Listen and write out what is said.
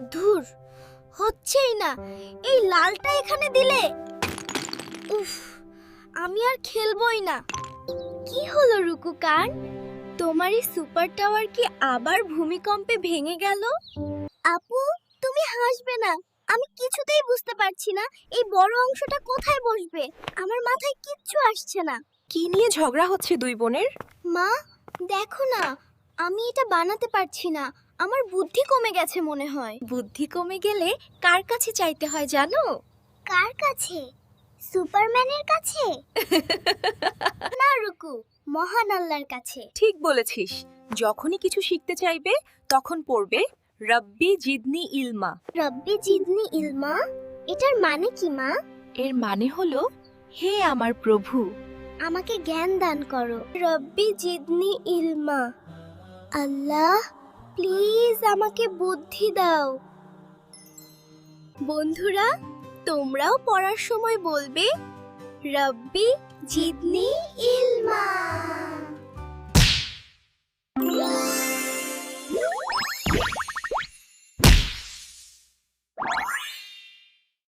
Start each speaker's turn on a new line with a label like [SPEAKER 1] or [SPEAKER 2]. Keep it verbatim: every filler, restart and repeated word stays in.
[SPEAKER 1] ধুর, হচ্ছেই না। এই লালটা এখানে দিলে, উফ, আমি আর খেলবই না। কি হলো রুকু কান, তোমার এই সুপার টাওয়ার কি আবার ভূমিকম্পে ভেঙে গেল? আপু, তুমি হাসবে না। আমি কিছুতেই বুঝতে পারছি না এই বড় অংশটা কোথায় বসবে। আমার মাথায় কিচ্ছু আসছে না।
[SPEAKER 2] কি নিয়ে ঝগড়া হচ্ছে দুই বোনের?
[SPEAKER 1] মা, দেখো না, আমি এটা বানাতে পারছি না। আমার বুদ্ধি কমে গেছে মনে হয়। বুদ্ধি কমে গেলে কার কাছে চাইতে হয় জানো? কার কাছে? সুপারম্যানের কাছে? না রুকু, মহান আল্লাহর কাছে।
[SPEAKER 2] ঠিক বলেছিস। যখনই কিছু শিখতে চাইবে তখন পড়বে রব্বি জিদনি ইলমা।
[SPEAKER 1] রব্বি জিদনি ইলমা, এটার মানে কি মা?
[SPEAKER 2] এর মানে হলো, হে আমার প্রভু,
[SPEAKER 1] আমাকে জ্ঞান দান করো। রব্বি জিদনি ইলমা। আল্লাহ, প্লিজ আমাকে বুদ্ধি দাও। বন্ধুরা, তোমরাও পড়ার সময় বলবে রব্বি জিদনি ইলমা।